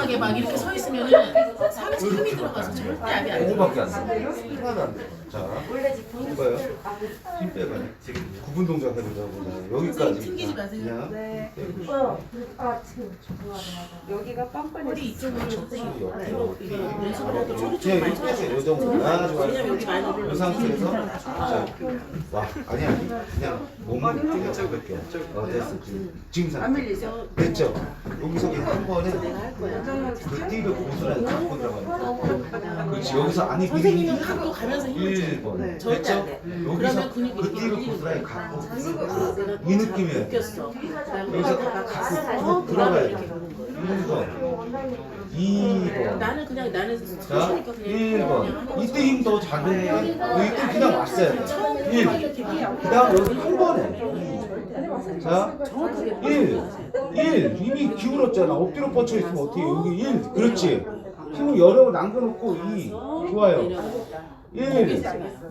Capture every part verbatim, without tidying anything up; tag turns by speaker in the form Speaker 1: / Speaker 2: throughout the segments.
Speaker 1: 이상하게 막 이렇게 서 있으면은 상체 힘이 들어가서 절대 압이 안 돼.
Speaker 2: 오밖에 안 돼. 하나도 안 돼. 자, 이거요. 힘 빼봐요. 구분 동작 해보자고. 여기까지.
Speaker 1: 튕기지 마세요.
Speaker 2: 그냥
Speaker 3: 네.
Speaker 2: 빼고.
Speaker 3: 어, 아, 지금 여기가 뻔뻔해.
Speaker 1: 허리 이쪽으로
Speaker 2: 옆으로.
Speaker 1: 연습을 해도 초리 좀
Speaker 2: 그냥
Speaker 1: 많이
Speaker 2: 이렇게 해서
Speaker 1: 쳐요.
Speaker 2: 요 정도. 아, 좋아요.
Speaker 1: 왜냐면 여기 많이 올려.
Speaker 2: 이 상태에서 자, 와, 아니 아니, 그냥 몸을 그냥 잡을게요. 어, 됐어. 지금 지금
Speaker 3: 안
Speaker 2: 상태.
Speaker 3: 밀리죠?
Speaker 2: 됐죠? 여기서 한 번에 그 띠를 고스란히 잡고 들어가는. 그렇지. 여기서 아니
Speaker 1: 선생님은 갖고 가면서 힘을 줘요.
Speaker 2: 일 번.
Speaker 1: 절대
Speaker 2: 됐죠?
Speaker 1: 안 돼.
Speaker 2: 여기서
Speaker 1: 그러면 근육이
Speaker 2: 그 띠를
Speaker 1: 밀리는
Speaker 2: 고스란히
Speaker 1: 거야.
Speaker 2: 갖고
Speaker 1: 내가
Speaker 2: 이 느낌이에요.
Speaker 1: 느꼈어.
Speaker 2: 여기서 갖고 들어가야 돼. 일 번, 이 번.
Speaker 1: 나는 그냥 나는
Speaker 2: 자,
Speaker 1: 소시니까 그냥
Speaker 2: 일 번. 이때 힘 더 작은데 이때 그냥 왔어야 돼. 일.
Speaker 1: 이렇게 막
Speaker 2: 그 다음 여기 한 번에. 자, 일. 일. 이미 기울었잖아. 엎드려 뻗쳐 있으면 어떻게 해? 여기 일. 그렇지. 힘을 여러 남겨놓고 이. 좋아요. 일.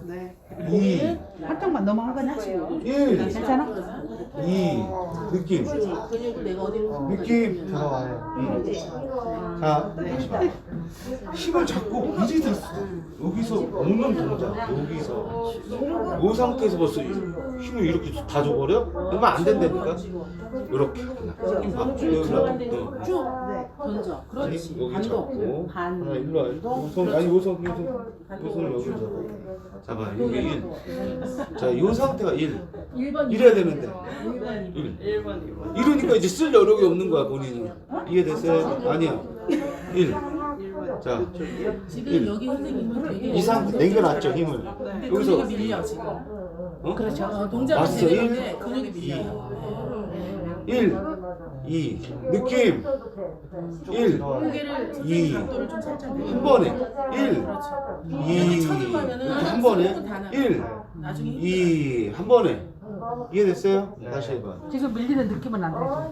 Speaker 2: 이.
Speaker 3: 한쪽만 넘어간 거냐?
Speaker 2: 일.
Speaker 3: 괜찮아?
Speaker 2: 이. 느낌.
Speaker 1: 근육을 내가 어디로
Speaker 2: 느낌 들어와요. 음. 자, 다시 봐. 힘을 잡고 이제 됐어. 여기서 오는 동작. 여기서 이 상태에서 벌써 힘을 이렇게 다 줘버려? 그러면 안 된다니까. 이렇게 그냥 힘 봐. 여기서
Speaker 1: 쭉 던져.
Speaker 2: 아니
Speaker 1: 그렇지.
Speaker 2: 여기
Speaker 1: 반동.
Speaker 2: 잡고
Speaker 1: 반.
Speaker 2: 하나 일로 와. 요손 아니 요손 요손 요손을 여기 잡아. 잡아. 여기 일. 자, 이 상태가 일.
Speaker 1: 일 번.
Speaker 2: 이래야 되는데. 일.
Speaker 1: 일 번, 이 번.
Speaker 2: 이러니까 이제 쓸 여력이 없는 거야 본인은. 이해됐어요? 아니야. 일. 자,
Speaker 1: 지금
Speaker 2: 일.
Speaker 1: 여기 선생님은 되게
Speaker 2: 이 상태 남겨놨죠 힘을.
Speaker 1: 근데
Speaker 2: 여기서
Speaker 1: 근육이 밀려 지금.
Speaker 2: 어?
Speaker 1: 그렇죠. 어, 동작은
Speaker 2: 맞어.
Speaker 1: 되는데
Speaker 2: 일.
Speaker 1: 근육이 밀려.
Speaker 2: 일, 이, 느낌. 일,
Speaker 1: 고개를
Speaker 2: 이.
Speaker 1: 각도를 좀 살짝 내려.
Speaker 2: 한 번에. 일, 이,
Speaker 1: 여기 쳐는 거면은
Speaker 2: 한 번에.
Speaker 1: 손은 다 나.
Speaker 2: 일,
Speaker 1: 나중에 힘
Speaker 2: 이, 한 번에. 이해됐어요? 다시 해봐.
Speaker 3: 지금 밀리는 느낌은 안 나죠?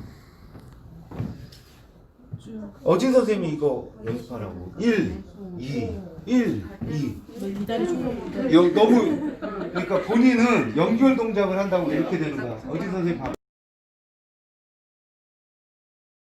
Speaker 2: 어진 선생님이 이거 연습하라고. 일, 이, 일, 이.
Speaker 1: 이다리 좀.
Speaker 2: 여, 너무 그러니까 본인은 연결 동작을 한다고 이렇게 되는 거야. 어진 선생님 봐봐.